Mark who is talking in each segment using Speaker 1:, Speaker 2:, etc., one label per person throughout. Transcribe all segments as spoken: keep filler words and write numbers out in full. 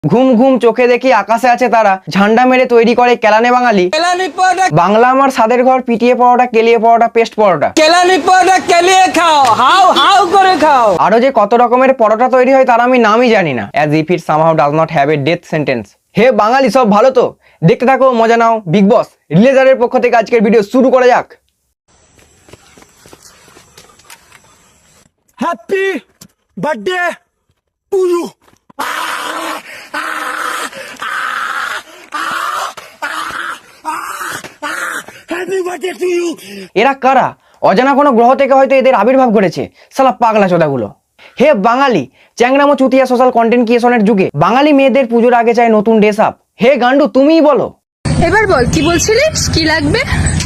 Speaker 1: ঘুম ঘুম চোখে দেখি আকাশে আছে তারা, ঝান্ডা মেরে তৈরি করে কেলানে বাঙালি। বাংলা আমার সাদের ঘর, পিটিয়ে পরোটা, কেলিয়ে পরোটা, পেস্ট পরোটা,
Speaker 2: কেলানি পরোটা কেলিয়ে খাও, হাউ হাউ করে খাও।
Speaker 1: আরো যে কত রকমের পরোটা তৈরি হয় তার আমি নামই জানি না। As if it somehow does not have a death sentence. হে বাঙালি, সব ভালো তো? দেখতে থাকো, মজা নাও। বিগ বস রিলেজারের পক্ষ থেকে আজকের ভিডিও শুরু করা যাক।
Speaker 3: Happy birthday to you. Happy birthday to you.
Speaker 1: এরা কারা? অজানা কোনো গ্রহ থেকে হয়তো এদের আবির্ভাব ঘটেছে, শালা পাগলা চোদাগুলো। হে বাঙালি, চ্যাংরামো চুতিয়া সোশ্যাল কন্টেন্ট ক্রিয়েশনের যুগে বাঙালি মেয়েদের পুজোর আগে চাই নতুন ড্রেস আপ। হে গান্ডু, তুমিই বলো।
Speaker 4: এবার বল কি বলছিলিস, কি লাগবে?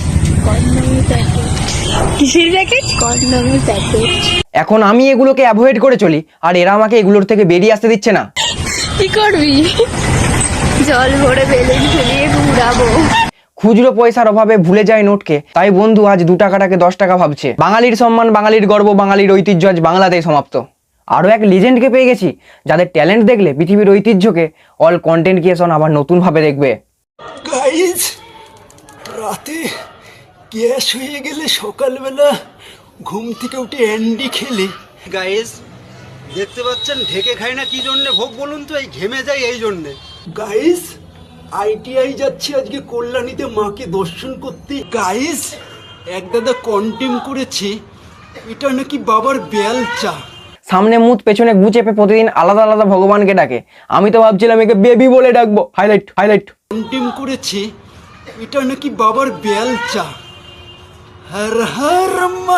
Speaker 4: কিসের জ্যাকেট? কন্ডমের প্যাকেট।
Speaker 1: এখন আমি এগুলোকে অ্যাভয়েড করে চলি, আর এরা আমাকে এগুলোর থেকে বেরিয়ে আসতে দিচ্ছে না।
Speaker 4: কি করবি? জল ভরে বেলুন ঝুলিয়ে ঘুরাবো।
Speaker 1: খুচরো পয়সার অভাবে ভুলে যায় নোটকে, তাই বন্ধু আজ দু টাকাটাকে দশ টাকা ভাবছে। বাঙালির সম্মান, বাঙালির গর্ব, বাঙালির ঐতিহ্য আজ বাংলাতেই সমাপ্ত। আরও এক লিজেন্ডকে পেয়ে গেছি, যাদের ট্যালেন্ট দেখলে পৃথিবীর ঐতিহ্যকে অল কন্টেন্ট ক্রিয়েশন আবার নতুনভাবে দেখবে।
Speaker 3: গাইজ, রাতে গ্যাস হয়ে গেলে সকালবেলা ঘুম থেকে উঠে অ্যান্ডি খেলে।
Speaker 5: গাইস দেখতে পাচ্ছেন ঢেকে খায় না কি জন্যে ভোগ বলুন তো? এই ঘেমে যায় এই জন্যে।
Speaker 3: গাইজ, আইটিআই যাচ্ছি আজকে কল্যাণীতে মাকে দর্শন করতে। গাইজ, এক দাদা কন্টেম করেছে এটা নাকি বাবার বেলচা।
Speaker 1: সামনে মুখ পেছনে গু চেপে প্রতিদিন আলাদা আলাদা ভগবানকে ডাকে। আমি তো ভাবছিলাম একে বেবি বলে ডাকবো। হাইলাইট হাইলাইট
Speaker 3: কন্টেম করেছে এটা নাকি বাবার বেলচা। হর হর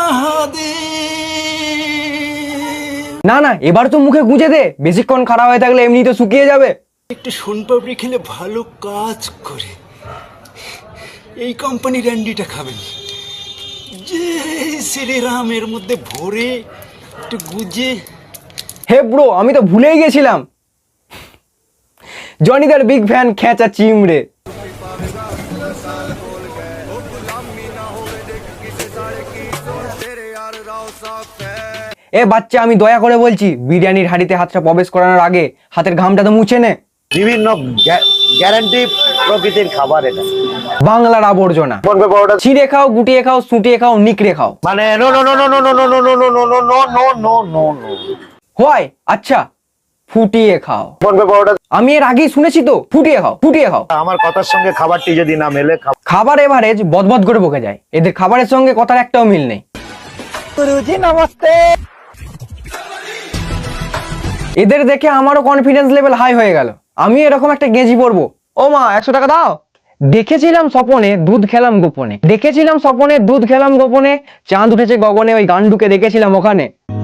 Speaker 3: মহাদেব।
Speaker 1: না না, এবার তো মুখে গুঁজে দে, বেশিক্ষণ খারাপ হয়ে থাকলে এমনি তো শুকিয়ে যাবে।
Speaker 3: একটু সোনপাপড়ি খেলে ভালো কাজ করে। এই কোম্পানির অ্যান্ডিটা খাবেন, যে শ্রীরাম এর মধ্যে ভরে একটু গুজে।
Speaker 1: হে ব্রো, আমি তো ভুলেই গেছিলাম, জনিদার বিগ ফ্যান খেঁচা চিমড়ে। এ বাচ্চা, আমি দয়া করে বলছি, বিরিয়ানির হাঁড়িতে হাতটা প্রবেশ করানোর আগে হাতের ঘামটা তো মুছে নে।
Speaker 6: বিভিন্ন গ্যারান্টি প্রকৃতির খাবার এটা।
Speaker 1: বাংলার আবর্জনা ছিঁড়ে খাও, গুটিয়ে খাও, সুটিয়ে খাও, নিকড়ে খাও।
Speaker 6: মানে no no no no no no no no no no no no no no no no no
Speaker 1: হয় আচ্ছা, ফুটিয়ে খাও। আমি এর আগেই শুনেছি তো, ফুটিয়ে খাও, ফুটিয়ে খাও।
Speaker 6: আমার কথার সঙ্গে খাবারটি যদি না মেলে,
Speaker 1: খাবার এভারেজ বদবদ করে বকে যায়। এদের খাবারের সঙ্গে কথার একটাও মিল নেই। গুরুজি নমস্তে। এদের দেখে আমারও কনফিডেন্স লেভেল হাই হয়ে গেল। আমি এরকম একটা গেঞ্জি পরবো। ও মা, একশো টাকা দাও। দেখেছিলাম স্বপনে, দুধ খেলাম গোপনে। দেখেছিলাম স্বপনে, দুধ খেলাম গোপনে। চাঁদ উঠেছে গগনে, ওই গান্ডুকে দেখেছিলাম ওখানে।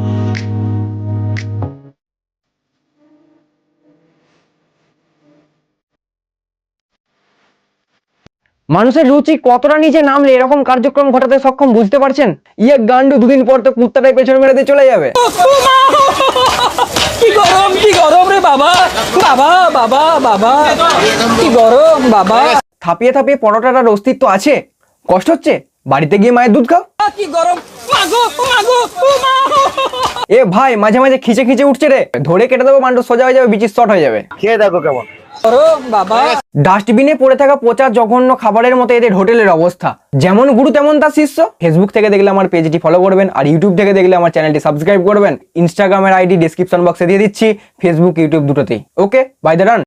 Speaker 1: মানুষের রুচি কতটা নিচে নামলে এরকম কার্যক্রম ঘটাতে সক্ষম, বুঝতে পারছেন? ইয়ে গান্ডু দুদিন পর তো কুত্তাটাই পেছনে মেরে দিয়ে চলে যাবে।
Speaker 2: কি গরম, কি গরম রে বাবা, বাবা বাবা বাবা, কি গরম বাবা।
Speaker 1: থাপিয়ে থাপিয়ে পরোটাটার অস্তিত্ব আছে? কষ্ট হচ্ছে? বাড়িতে গিয়ে মায়ের দুধ খাও।
Speaker 2: কি গরম, মাগো মাগো মা।
Speaker 1: এ ভাই, মাঝে মাঝে খিচে খিচে উঠছে রে, ধরে কেটে দেবো, মান্ড সোজা হয়ে যাবে, বিচির শর্ট হয়ে যাবে।
Speaker 6: খেয়ে দেখো কেমন
Speaker 2: গরম বাবা।
Speaker 1: ডাস্টবিনে পড়ে থাকা পচা জঘন্য খাবারের মতো এদের হোটেলের অবস্থা। যেমন গুরু তেমন তার শিষ্য। ফেসবুক থেকে দেখলে আমার পেজটি ফলো করবেন, আর ইউটিউব থেকে দেখলে আমার চ্যানেলটি সাবস্ক্রাইব করবেন। ইনস্টাগ্রামের আইডি ডেসক্রিপশন বক্সে দিয়ে দিচ্ছি, ফেসবুক ইউটিউব দুটোতেই। Okay, by the run.